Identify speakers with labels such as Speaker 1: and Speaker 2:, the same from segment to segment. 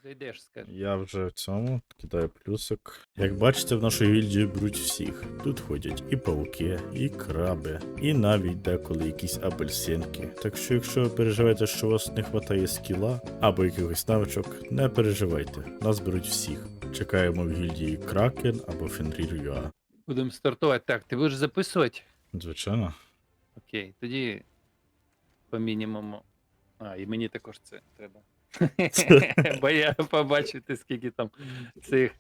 Speaker 1: Зайдеш, скажи.
Speaker 2: Я вже в цьому кидаю плюсик. Як бачите, в нашу гільдію беруть всіх. Тут ходять і пауки, і краби, і навіть деколи якісь апельсинки. Так що, якщо ви переживаєте, що у вас не вистачає скіла або якихось навичок, не переживайте. Нас беруть всіх. Чекаємо в гільдії Кракен або Fenrir.ua.
Speaker 1: Будемо стартувати. Так, ти будеш записувати?
Speaker 2: Звичайно.
Speaker 1: Окей, тоді по мінімуму. А, і мені також це треба. Бо я побачити, скільки там цих.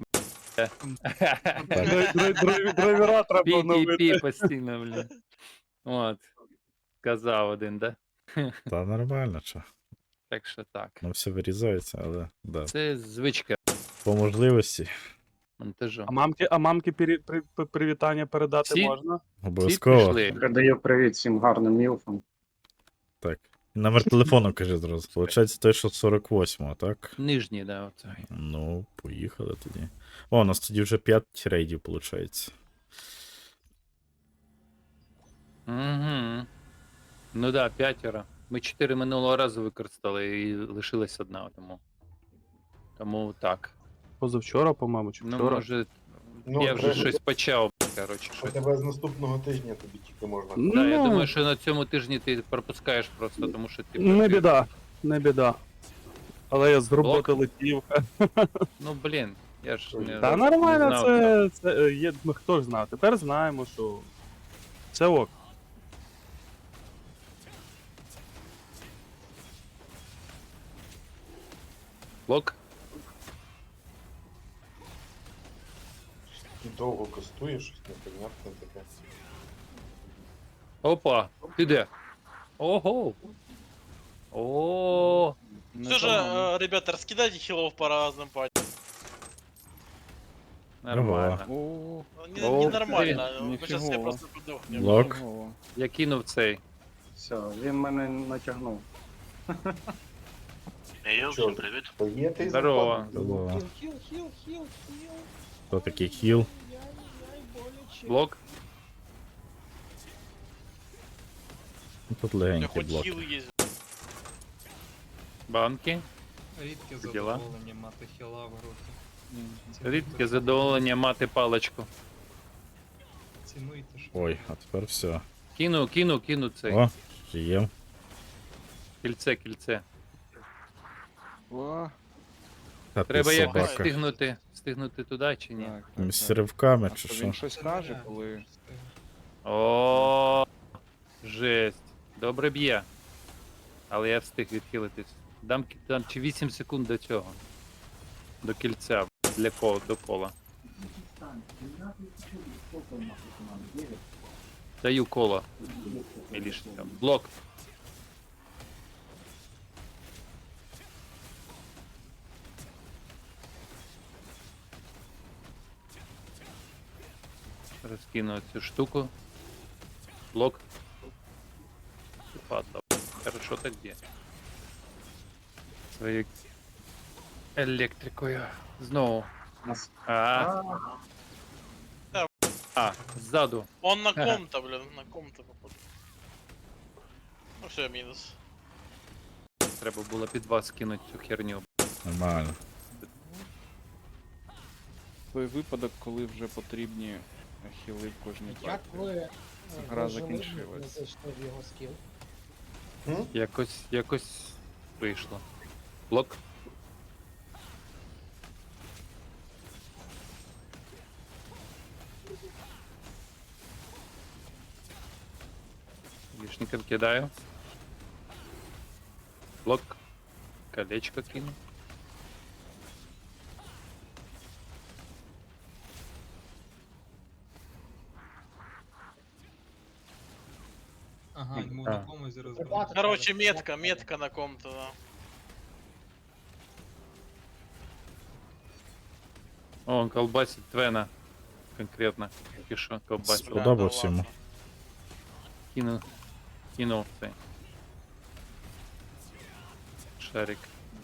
Speaker 3: Драйвера треба
Speaker 1: Пі
Speaker 3: оновити.
Speaker 1: постійно, блін. От. Сказав один, да?
Speaker 2: Та нормально, що.
Speaker 1: Так що так.
Speaker 2: Ну все вирізається, але да.
Speaker 1: Це звичка
Speaker 2: По можливості.
Speaker 1: монтажу.
Speaker 3: А мамки привітання передати
Speaker 1: Всі?
Speaker 3: можна?
Speaker 1: Всі
Speaker 2: Обов'язково.
Speaker 1: прийшли.
Speaker 4: Передаю привіт всім гарним мілфам.
Speaker 2: Так. Номер телефону кажи зразу. Получається той, що 48-го, так?
Speaker 1: Нижній, да, оцей.
Speaker 2: Ну, поїхали тоді. О, у нас тоді вже 5 рейдів, виходить.
Speaker 1: Угу. Ну да, 5. Ми 4 минулого разу використали і лишилась одна, тому так.
Speaker 3: Позавчора, по-моєму, чи
Speaker 1: Ну,
Speaker 3: вчора.
Speaker 1: може,
Speaker 5: Ну,
Speaker 1: я вже
Speaker 5: треба-
Speaker 1: щось почав, коротше, щось.
Speaker 5: Хоча з наступного тижня тобі тільки можна.
Speaker 1: Да, я
Speaker 3: Ну,
Speaker 1: думаю, що на цьому тижні ти пропускаєш просто, тому що ти.
Speaker 3: Не біда, не біда. Але я з роботи
Speaker 1: Блок?
Speaker 3: летів.
Speaker 1: Ну, блін, я ж не.
Speaker 3: Та
Speaker 1: не
Speaker 3: нормально,
Speaker 1: знав,
Speaker 3: це є. Ми хто ж знає. Тепер знаємо, що це ок.
Speaker 1: Блок.
Speaker 5: Ти довго кастуєш, щось непонятне таке.
Speaker 1: Опа, ти де? Ого. О.
Speaker 6: Все же, ребята, раскидайте хилов по разным патчам.
Speaker 1: Нормально.
Speaker 7: О,
Speaker 1: О,
Speaker 6: Ненормально.
Speaker 7: ты,
Speaker 6: Мы сейчас все
Speaker 7: нифигово.
Speaker 6: просто подохнем.
Speaker 2: Блок.
Speaker 7: ого.
Speaker 1: Я кинув цей.
Speaker 4: Все, він мене натягнув.
Speaker 5: Що, привіт. Є ти
Speaker 1: Здорово.
Speaker 2: Здорово. Хто такий хіл?
Speaker 1: Блок.
Speaker 2: Ну, тут
Speaker 6: У меня
Speaker 2: легенький
Speaker 6: хоть
Speaker 2: блок.
Speaker 6: хил есть.
Speaker 1: Банки.
Speaker 8: Рідке
Speaker 1: Діла?
Speaker 8: задоволення мати хіла в роті.
Speaker 1: Рідке задоволення мати паличку.
Speaker 8: Цінуйте, що
Speaker 2: Ой, а тепер все.
Speaker 1: Кину цей.
Speaker 2: О, є.
Speaker 1: Кільце.
Speaker 7: О,
Speaker 2: Та ти
Speaker 1: Треба якось
Speaker 2: собака.
Speaker 1: встигнути туди чи ні?
Speaker 7: так,
Speaker 2: З ривками
Speaker 7: А
Speaker 2: чи
Speaker 7: то
Speaker 2: що?
Speaker 7: він щось каже, коли...
Speaker 1: О, жесть. Добре б'є. Але я встиг відхилитись. Дам чи 8 секунд до цього. До кільця. До кола. Даю коло. Мілішникам. Блок. Розкину цю штуку. Блок. Падла. Хорошо так где. Своєю електрикою. Знову.
Speaker 4: Нас-
Speaker 1: Ззаду.
Speaker 6: Он на ком-то, блин, на ком-то попал. Ну все, минус.
Speaker 1: Треба було під вас кинути цю херню.
Speaker 2: Нормально.
Speaker 7: Той випадок, коли вже потрібні хіли в кожній
Speaker 9: Як
Speaker 7: партії.
Speaker 9: ви
Speaker 7: Гра закінчилась.
Speaker 9: зайшли в його скіл?
Speaker 1: Якось вийшло. Блок. Лишником кидаю. Блок. Колечко кину.
Speaker 8: Ага, йому
Speaker 1: А.
Speaker 8: на комусь розбив.
Speaker 6: Короче, метка на ком-то, да.
Speaker 1: О, он колбасит Твена. Конкретно. Тільки що колбасит.
Speaker 2: Сподобався йому.
Speaker 1: Кинув цей. Шарик.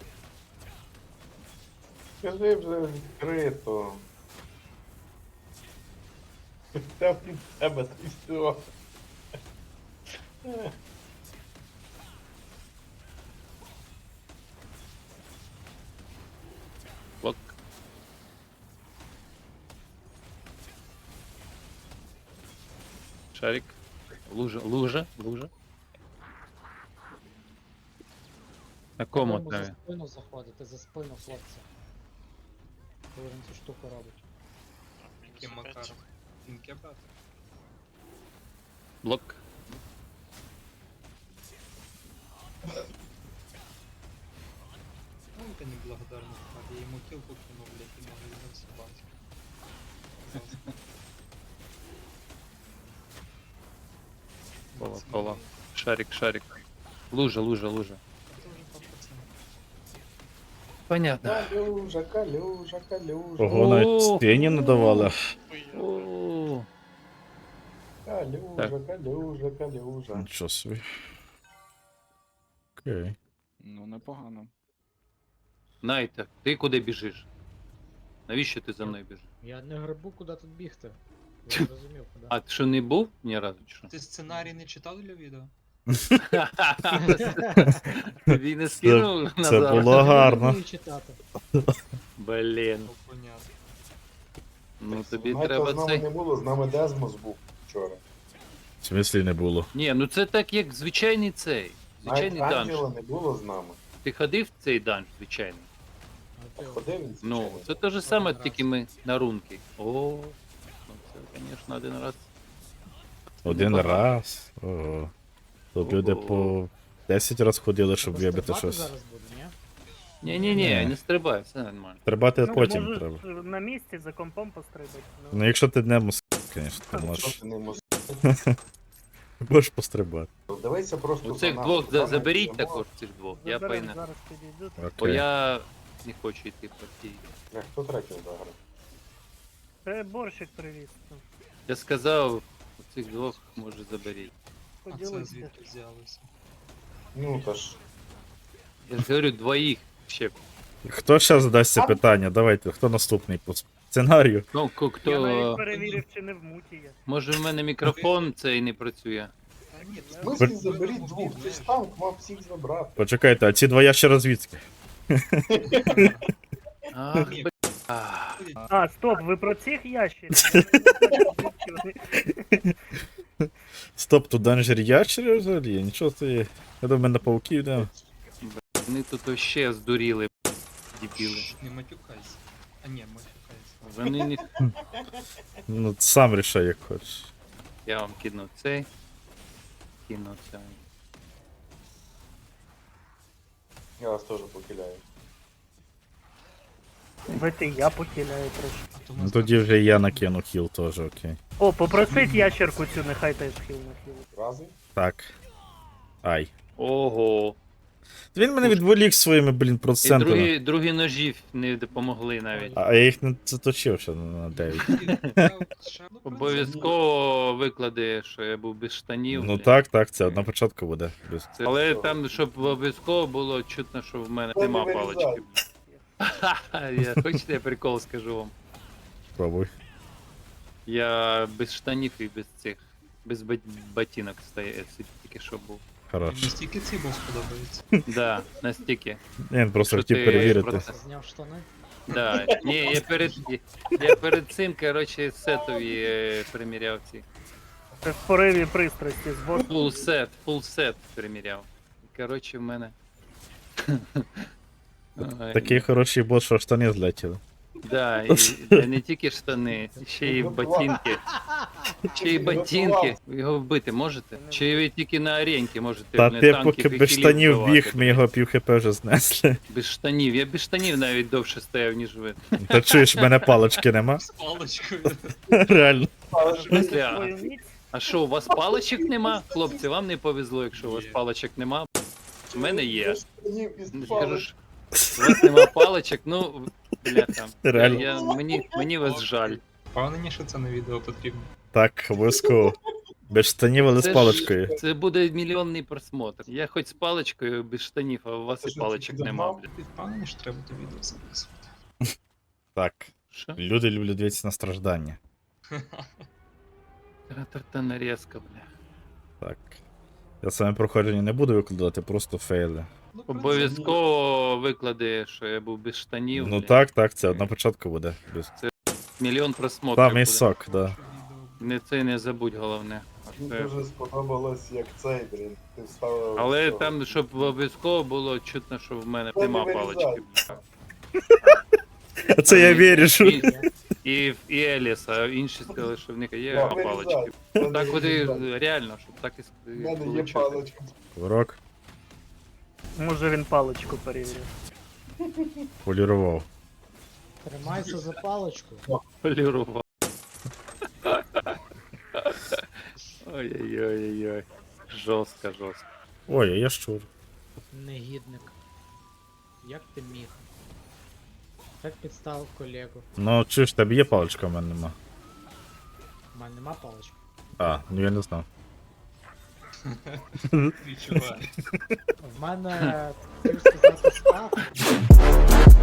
Speaker 5: Скажи вже відкрито. Там від тебе ти все.
Speaker 1: Блок. Шарик. Лужа, лужа, лужа. На кому
Speaker 9: Треба за
Speaker 1: там?
Speaker 9: спину заходити, за спину хлопця. Коли він цю штуку робить.
Speaker 8: Яким макаром? Кінки брати?
Speaker 1: Блок.
Speaker 8: Ну, это неблагодарный тварь. Я ему килку кинул, блядь, и могу его съебать.
Speaker 1: Кола, кола. Шарик, шарик. Лужа, лужа, лужа.
Speaker 8: Это уже по пацанам.
Speaker 1: Понятно.
Speaker 5: Калюжа, калюжа, калюжа.
Speaker 2: Ого, навіть
Speaker 1: О!
Speaker 2: стіні не давали.
Speaker 1: О,
Speaker 5: Калюжа, калюжа, калюжа.
Speaker 2: Нічого собі. Окей.
Speaker 7: Ну, непогано.
Speaker 1: Найта, ти куди біжиш? Навіщо ти за мною біжиш?
Speaker 9: Я не грибу, куди тут бігти. Я не розумів, куди.
Speaker 1: А ти що не був ні разу чи що?
Speaker 8: Ти сценарій не читав для відео?
Speaker 1: Тобі не скинув
Speaker 2: Це
Speaker 1: назад?
Speaker 2: було
Speaker 9: Я
Speaker 2: гарно.
Speaker 9: не вмію читати.
Speaker 1: Блін.
Speaker 8: Ну, понятно.
Speaker 1: Ну тобі
Speaker 5: Знаєте,
Speaker 1: треба
Speaker 5: з нами
Speaker 1: цей.
Speaker 5: не було, з нами Дезмос був вчора.
Speaker 2: В смислі не було.
Speaker 1: Ні, ну це так як звичайний цей.
Speaker 5: Навіть
Speaker 1: Звичайний данж.
Speaker 5: Ангела не було з нами.
Speaker 1: Ти ходив в цей данж звичайний?
Speaker 9: А ти
Speaker 5: Ходив він,
Speaker 1: Ну,
Speaker 5: звичайно.
Speaker 1: це те ж саме,
Speaker 9: Один раз.
Speaker 1: тільки ми на рунки. О, ну це, звісно, один раз.
Speaker 2: Один
Speaker 1: Непогано.
Speaker 2: раз. Ого. То люди по 10 раз ходили, щоб
Speaker 9: Треба
Speaker 2: вибити
Speaker 9: стрибати
Speaker 2: щось.
Speaker 9: зараз буде, ні?
Speaker 1: Ні-ні-ні,
Speaker 2: Ні.
Speaker 1: не стрибай, все нормально.
Speaker 2: Стрибати
Speaker 10: Ну,
Speaker 2: потім
Speaker 10: можеш
Speaker 2: треба.
Speaker 10: на місці за компом пострибати.
Speaker 2: Ну якщо ти не мус, звісно, то
Speaker 5: Що
Speaker 2: можеш,
Speaker 5: ти не мус-
Speaker 2: можеш пострибати.
Speaker 5: Дивися просто
Speaker 1: У
Speaker 5: за
Speaker 1: цих
Speaker 5: нами.
Speaker 1: двох
Speaker 5: Саме
Speaker 1: заберіть
Speaker 5: йдемо.
Speaker 1: також цих двох. Я
Speaker 10: Заберем,
Speaker 1: пайна.
Speaker 10: зараз підійду.
Speaker 1: Бо
Speaker 2: Окей.
Speaker 1: я не хочу йти в партії.
Speaker 5: Хто третій заграв?
Speaker 10: Це борщик привіз.
Speaker 1: Я сказав, у цих двох може заберіть.
Speaker 8: А це
Speaker 10: Поділися.
Speaker 8: звідки взялося?
Speaker 5: Ну та ж.
Speaker 1: Я ж говорю, двоїх ще.
Speaker 2: Хто ще задасть це питання? Давайте, хто наступний по сценарію?
Speaker 1: Ну,
Speaker 10: Я
Speaker 1: хто.
Speaker 10: навіть перевірив, чи не в муті я.
Speaker 1: Може в мене мікрофон цей не працює.
Speaker 8: Та ні,
Speaker 5: В смислі заберіть двох, ти ж танк мав всіх забрати.
Speaker 2: Почекайте, а ці два ящера звідки?
Speaker 1: Ах,
Speaker 8: Ні.
Speaker 1: б... Ах.
Speaker 10: А, стоп, ви про цих ящерів?
Speaker 2: Стоп, тут данжер ящери взагалі? Нічого собі. Я думаю, на пауків йдемо.
Speaker 1: Вони тут вообще здуріли, дебіли.
Speaker 8: Не матюкайся. А ні, матюкайся.
Speaker 1: Вони не...
Speaker 2: Ну, сам рішай, як хочеш.
Speaker 1: Я вам кину цей. Кину цей.
Speaker 5: Я вас теж покиляю.
Speaker 10: Бити, я покиляю трошки.
Speaker 8: А то
Speaker 2: Ну
Speaker 8: нас
Speaker 2: тоді вже і я накину хіл теж, окей.
Speaker 10: О, попросить ящерку цю, нехай теж хіл на хіл.
Speaker 5: Рази?
Speaker 2: Так. Ай.
Speaker 1: Ого.
Speaker 2: Він мене відволік своїми, блін,
Speaker 1: І
Speaker 2: процентами.
Speaker 1: другі ножі не допомогли навіть.
Speaker 2: А я їх не заточив ще на 9.
Speaker 1: Обов'язково виклади, що я був без штанів.
Speaker 2: Ну
Speaker 1: бля.
Speaker 2: так, це на початку буде.
Speaker 1: Це- Але там, щоб обов'язково було чутно, що в мене
Speaker 5: Та не
Speaker 1: нема
Speaker 5: вирізай.
Speaker 1: палички. Ха-ха, хочете я прикол скажу вам?
Speaker 2: Спробуй.
Speaker 1: Я без штанів і без цих. Без ботинок тільки що був.
Speaker 2: Хорош.
Speaker 8: Настільки цей бос подобається.
Speaker 1: Да, настільки.
Speaker 2: Він просто
Speaker 1: Що
Speaker 2: хотів
Speaker 1: ти
Speaker 2: перевірити.
Speaker 1: просто-
Speaker 9: Зняв штани.
Speaker 1: Да. Ні, я перед цим, коротше, сетові приміряв ці.
Speaker 10: Це в пориві пристрасті з босом.
Speaker 1: Full set приміряв. Коротше, в мене. Ой,
Speaker 2: Такий хороший бот, що штани злетіли.
Speaker 1: Да, і не тільки штани, ще й ботинки. Ще й ботинки. Ви його вбити можете? Чи ви тільки на аренці можете?
Speaker 2: Та
Speaker 1: не
Speaker 2: ти
Speaker 1: танків
Speaker 2: поки
Speaker 1: і
Speaker 2: без
Speaker 1: хілів
Speaker 2: штанів
Speaker 1: вбивати,
Speaker 2: біг, ми
Speaker 1: блядь?
Speaker 2: його пів хп вже знесли.
Speaker 1: Без штанів. Я без штанів навіть довше стояв, ніж ви.
Speaker 2: Та чуєш, в мене палочки нема.
Speaker 8: З паличкою.
Speaker 2: Реально.
Speaker 1: В смислі,
Speaker 10: Свою міць.
Speaker 1: а що, у вас паличок нема? Хлопці, вам не повезло, якщо у вас
Speaker 8: Є.
Speaker 1: паличок нема. У мене є.
Speaker 5: Із
Speaker 1: Не
Speaker 5: палок.
Speaker 1: скажу ж, у вас нема паличок, ну, бляха.
Speaker 2: Реально.
Speaker 1: Мені вас жаль.
Speaker 8: Впевнені, що це на відео потрібно.
Speaker 2: Так, обов'язково. Без штанів, але з
Speaker 1: Це ж-
Speaker 2: паличкою.
Speaker 1: Це буде мільйонний просмотр. Я хоч з паличкою без штанів, а у вас
Speaker 5: Це
Speaker 1: і
Speaker 5: ж
Speaker 1: паличок
Speaker 5: ти
Speaker 1: нема,
Speaker 5: давав?
Speaker 1: блядь.
Speaker 8: Ти впевнений, що треба то відео записувати?
Speaker 2: Так.
Speaker 1: Що?
Speaker 2: Люди люблять дивитися на страждання.
Speaker 1: Та нарізка, бля.
Speaker 2: Так. Я саме проходження не буду викладати, просто фейли.
Speaker 1: Обов'язково виклади, що я був без штанів.
Speaker 2: Ну
Speaker 1: блін.
Speaker 2: так, це на початку буде.
Speaker 1: Мільйон просмотрів
Speaker 2: Там і
Speaker 1: буде.
Speaker 2: сок, да.
Speaker 1: Не це не забудь головне. А
Speaker 5: Мені
Speaker 1: це-
Speaker 5: дуже сподобалось, як цей, блін. Ти вставив.
Speaker 1: Але
Speaker 5: цього.
Speaker 1: там, щоб обов'язково було чутно, що в мене
Speaker 5: Та не
Speaker 1: нема
Speaker 5: вирізай.
Speaker 1: палички.
Speaker 2: А це я вірю, що.
Speaker 1: І Еліс, а інші сказали, що в них є
Speaker 5: Да,
Speaker 1: палички.
Speaker 5: вирізай. В мене
Speaker 1: Так
Speaker 5: є
Speaker 1: от
Speaker 5: вирізай.
Speaker 1: і реально, щоб так і
Speaker 5: В мене є
Speaker 1: получити.
Speaker 5: паличка.
Speaker 2: Урок
Speaker 10: Може він паличку перевірив.
Speaker 2: полірував.
Speaker 9: Тримайся за паличку.
Speaker 1: Полірував. Ой-ой-ой-ой. Жорстко, жорстко.
Speaker 2: Ой, а я щур.
Speaker 9: Негідник. Як ти міг? Так підставив колегу.
Speaker 2: Ну, чи ж тебе є паличка, в мене нема.
Speaker 9: У мене нема палички.
Speaker 2: А, ну я не знав.
Speaker 8: Відчуваю.
Speaker 9: В мене, хотів сказати, став.